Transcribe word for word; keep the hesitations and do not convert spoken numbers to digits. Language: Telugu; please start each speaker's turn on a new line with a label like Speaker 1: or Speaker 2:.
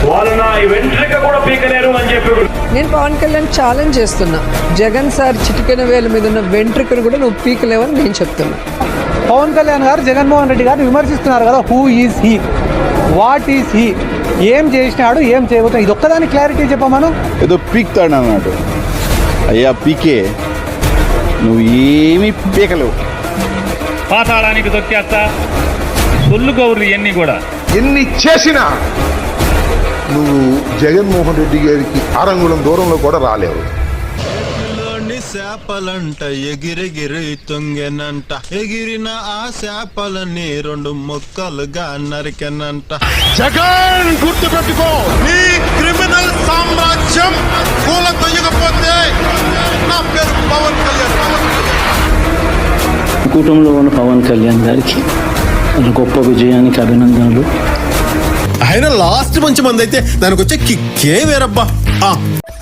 Speaker 1: వాళ్ళు నా వెంట్రిక కూడా పీకలేరు అని చెప్పి
Speaker 2: నేను పవన్ కళ్యాణ్ ఛాలెంజ్ చేస్తున్నా. జగన్ సార్ చిటికెన వేల మీద ఉన్న వెంట్రికను కూడా నువ్వు పీకలేవని నేను చెప్తున్నా.
Speaker 3: పవన్ కళ్యాణ్ గారు జగన్మోహన్ రెడ్డి గారిని విమర్శిస్తున్నారు కదా. Who is he, what is he, ఏం చేసినాడు, ఏం చేయబోతున్నాడు, ఇది ఒక్కదాని క్లారిటీ చెప్పమను.
Speaker 4: ఏదో పీక్తాడు అన్నాడు. అయ్యా పీకే, నువ్వు ఏమీ పీకలేవు.
Speaker 5: పాతాళానికి తొక్కేస్తా సొల్లు గౌరు ఇవన్నీ కూడా
Speaker 6: ఎన్ని చేసినా నువ్వు జగన్మోహన్ రెడ్డి గారికి ఆరంగుళం దూరంలో కూడా రాలేవు.
Speaker 7: చేపలంట ఎగిరెగిరి తొంగెనంట, ఎగిరిన ఆ చేపలని రెండు ముక్కలుగా నరికెనంట.
Speaker 6: జగన్ గుర్తు పెట్టుకో, నీ క్రిమినల్ సామ్రాజ్యం కూల తొయ్యకపోతే నా పేరు పవన్ కళ్యాణ్.
Speaker 8: కుటుంబంలో ఉన్న పవన్ కళ్యాణ్ గారికి గొప్ప విజయానికి అభినందనలు.
Speaker 7: ఆయన లాస్ట్ మంచి మంది అయితే దానికి వచ్చే కిక్కే వేరబ్బా.